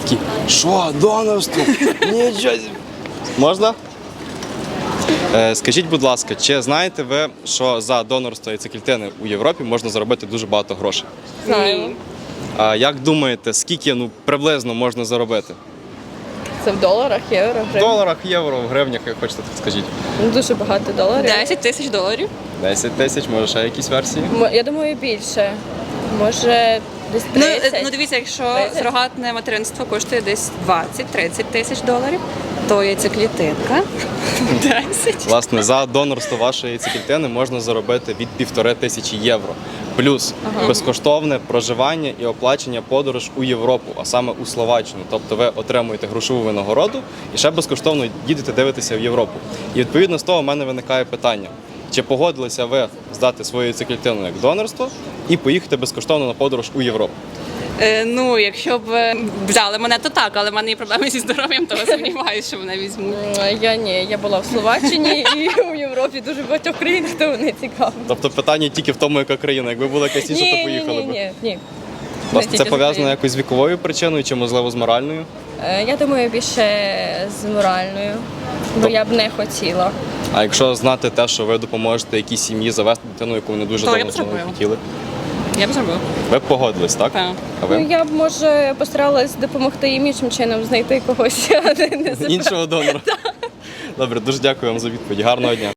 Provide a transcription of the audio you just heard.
Такий, що, донорство? Нічого. Можна? Скажіть, будь ласка, чи знаєте ви, що за донорство яйцеклітини у Європі можна заробити дуже багато грошей? Знаємо. А як думаєте, скільки приблизно можна заробити? Це в доларах, євро, В гривень. доларах, євро, в гривнях, як хочете, так скажіть. Дуже багато доларів. 10 тисяч доларів. 10 тисяч, може ще якісь версії? Я думаю, більше. Може, десь Ну, 30. ну дивіться, якщо 30? сурогатне материнство коштує десь 20-30 тисяч доларів, то яйцеклітинка 10. Власне, за донорство вашої яйцеклітини можна заробити від 1500 євро. Плюс безкоштовне проживання і оплачення подорож у Європу, а саме у Словаччину. Тобто ви отримуєте грошову винагороду і ще безкоштовно їдете дивитися в Європу. І відповідно з того в мене виникає питання. Чи погодилися ви здати свою яйцеклітину як донорство і поїхати безкоштовно на подорож у Європу? Ну, якщо б взяли мене, то так, але в мене є проблеми зі здоров'ям, то сумніваюся, що мене візьмуть. Я ні, я була в Словаччині і у Європі дуже багатьох країнах, то не цікаво. Тобто питання тільки в тому, яка країна. Якби була якась інша, то поїхали б. Ні. Власне, Не це тільки з пов'язано України. якось з віковою причиною чи, можливо, з моральною? Я думаю, більше з моральною, бо я б не хотіла. А якщо знати те, що ви допоможете якійсь сім'ї завести дитину, яку вони дуже То я давно б зробила. хотіли, Я б зробила. ви б погодились, так? Так. А ви? Ну, я б, може, постаралась допомогти їм іншим чином знайти когось, а не Іншого донора. Добре, дуже дякую вам за відповідь. Гарного дня.